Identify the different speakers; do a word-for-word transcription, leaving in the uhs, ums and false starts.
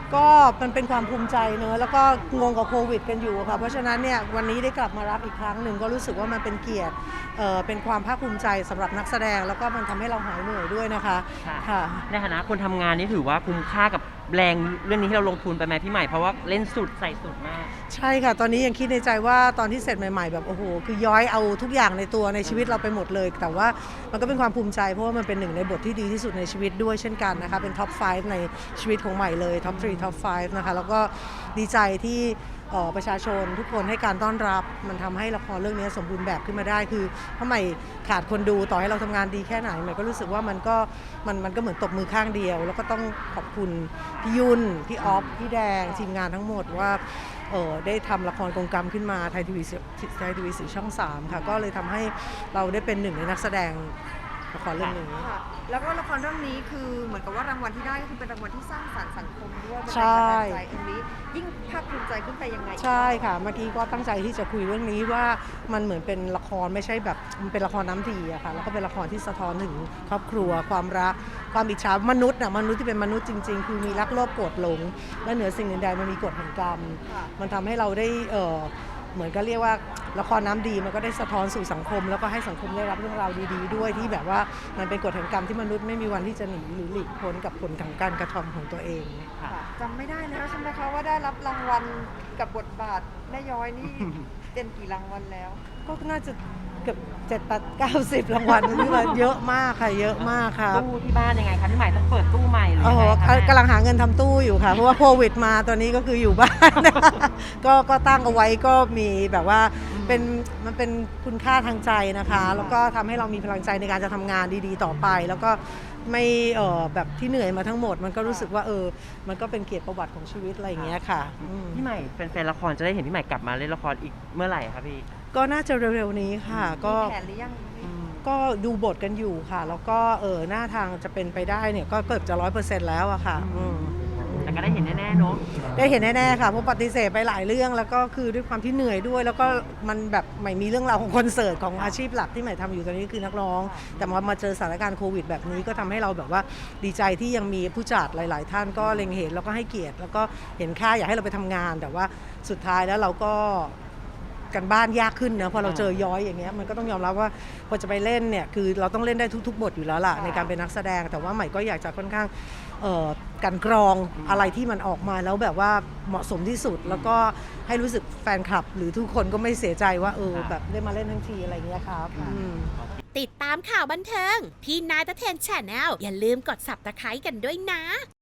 Speaker 1: ก็มันเป็นความภูมิใจเนอะแล้วก็งงกับโควิดกันอยู่ค่ะเพราะฉะนั้นเนี่ยวันนี้ได้กลับมารับอีกครั้งหนึ่งก็รู้สึกว่ามันเป็นเกียรติเอ่อเป็นความภาคภูมิใจสำหรับนักแสดงแล้วก็มันทำให้เราหายเหนื่อยด้วยนะคะค่ะ
Speaker 2: ในฐานะคนทำงานนี่ถือว่าคุ้มค่ากับแรงเรื่องนี้ที่เราลงทุนไปไหมพี่ใหม่เพราะว่าเล่นสุดใส่สุดมาก
Speaker 1: ใช่ค่ะตอนนี้ยังคิดในใจว่าตอนที่เสร็จใหม่ๆแบบโอ้โหคือย้อยเอาทุกอย่างในตัวในชีวิตเราไปหมดเลยแต่ว่ามันก็เป็นความภูมิใจเพราะว่ามันเป็นหนึ่งในบทที่ดีที่สุดในชีวิตด้วยเช่นกันนะคะเป็นท็อปไฟว์ในชีวิตของใหม่เลยท็อปสามท็อปไฟว์นะคะแล้วก็ดีใจที่ประชาชนทุกคนให้การต้อนรับมันทำให้ละครเรื่องนี้สมบูรณ์แบบขึ้นมาได้คือเพราะใหม่ขาดคนดูต่อให้เราทำงานดีแค่ไหนใหม่ก็รู้สึกว่ามันก็มันมันก็เหมือนตบมือข้างเดียวแล้วก็ต้องขอบคุณพี่ยุ่นพี่ออฟพี่แดงทีมงานทั้งหมดว่าเออได้ทำละครกงกรรมขึ้นมาไทยทีวีไทยทีวีสีช่องสามค่ะก็เลยทำให้เราได้เป็นหนึ่งในนักแสดงละครเรื่องนี้
Speaker 3: แล้วก็ละครเรื่องนี้คือเหมือนกับว่ารางวัลที่ได้ก็คือเป็นรางวัลที่สร้างสรรค์สังคมด้วย
Speaker 1: ใช่
Speaker 3: ใจตรงนี้ยิ่งภาคภูมิใจขึ้นไปยังไง
Speaker 1: ใช่ค่ะเมื่อกี้ก็ตั้งใจที่จะคุยเรื่องนี้ว่ามันเหมือนเป็นละครไม่ใช่แบบมันเป็นละครน้ำดีอะค่ะแล้วก็เป็นละครที่สะท้อนถึงครอบครัวความรักความอิจฉามนุษย์น่ะมนุษย์ที่เป็นมนุษย์จริงๆคือมีรักโลภโกรธหลงและเหนือสิ่งอื่นใดมันมีกฎแห่งกรรมมันทำให้เราได้เออเหมือนก็เรียกว่าละครน้ำดีมันก็ได้สะท้อนสู่สังคมแล้วก็ให้สังคมได้รับเรื่องราวดีๆด้วยที่แบบว่ามันเป็นกฎแห่งกรรมที่มนุษย์ไม่มีวันที่จะหนีหรือหลีกพ้นกับผลของการกระทำของตัวเอง
Speaker 3: จำไม่ได้แล้วใช่ไหมคะว่าได้รับรางวัลกับบทบาทแม่ย้อยนี่เป็นกี่รางวัลแล้ว
Speaker 1: ก็น่าจะเกือบเจ็ดแปดเก้าสิบรางวัลนี่ว่าเยอะมากค่ะเยอะมากค่ะ
Speaker 2: ตู้ที่บ้านยังไงคะพี่ใหม่ต้องเปิดตู้ใหม่หรือ
Speaker 1: ยังไงคะกำลังหาเงินทำตู้อยู่ค่ะเพราะว่าโควิดมาตอนนี้ก็คืออยู่บ้านก็ก็ตั้งเอาไว้ก็มีแบบว่าเป็นมันเป็นคุณค่าทางใจนะคะแล้วก็ทำให้เรามีพลังใจในการจะทำงานดีๆต่อไปแล้วก็ไม่เออแบบที่เหนื่อยมาทั้งหมดมันก็รู้สึกว่าเออมันก็เป็นเกียรติประวัติของชีวิตอะไรอย่างเงี้ยค่ะ
Speaker 2: พี่ใหม่แฟนๆละครจะได้เห็นพี่ใหม่กลับมาเล่นละครอีกเมื่อไหร่ครับพี่
Speaker 1: ก็น่าจะเร็วๆนี้ค่ะก็
Speaker 3: แผนหรือยัง
Speaker 1: ก็ดูบทกันอยู่ค่ะแล้วก็เออหน้าทางจะเป็นไปได้เนี่ยก็เกือบจะร้อยเปอร์เซ็นต์แล้วอะค่ะ
Speaker 2: แต่ก็ได้เห็นแน่ๆเนาะ
Speaker 1: ได้เห็นแน่ๆค่ะเพราะปฏิเสธไปหลายเรื่องแล้วก็คือด้วยความที่เหนื่อยด้วยแล้วก็มันแบบไม่มีเรื่องราวของคอนเสิร์ตของอาชีพหลักที่ใหม่ทำอยู่ตอนนี้คือนักร้องแต่มามาเจอสถานการณ์โควิดแบบนี้ก็ทำให้เราแบบว่าดีใจที่ยังมีผู้จัดหลายๆท่านก็เล็งเห็นแล้วก็ให้เกียรติแล้วก็เห็นค่าอยากให้เราไปทำงานแต่ว่าสุดท้ายแล้วเราก็กันบ้านยากขึ้นนะพอเราเจอย้อยอย่างเงี้ยมันก็ต้องยอมรับว่าพอจะไปเล่นเนี่ยคือเราต้องเล่นได้ทุกๆบทอยู่แล้วล่ะในการเป็นนักแสดงแต่ว่าใหม่ก็อยากจะค่อนข้างกันกรองอะไรที่มันออกมาแล้วแบบว่าเหมาะสมที่สุดแล้วก็ให้รู้สึกแฟนคลับหรือทุกคนก็ไม่เสียใจว่าเออแบบได้มาเล่นทั้งทีอะไรเงี้ยครับ
Speaker 4: ติดตามข่าวบันเทิงพี่นายตะเทนแชนแนลอย่าลืมกด ซับสไครบ์ กันด้วยนะ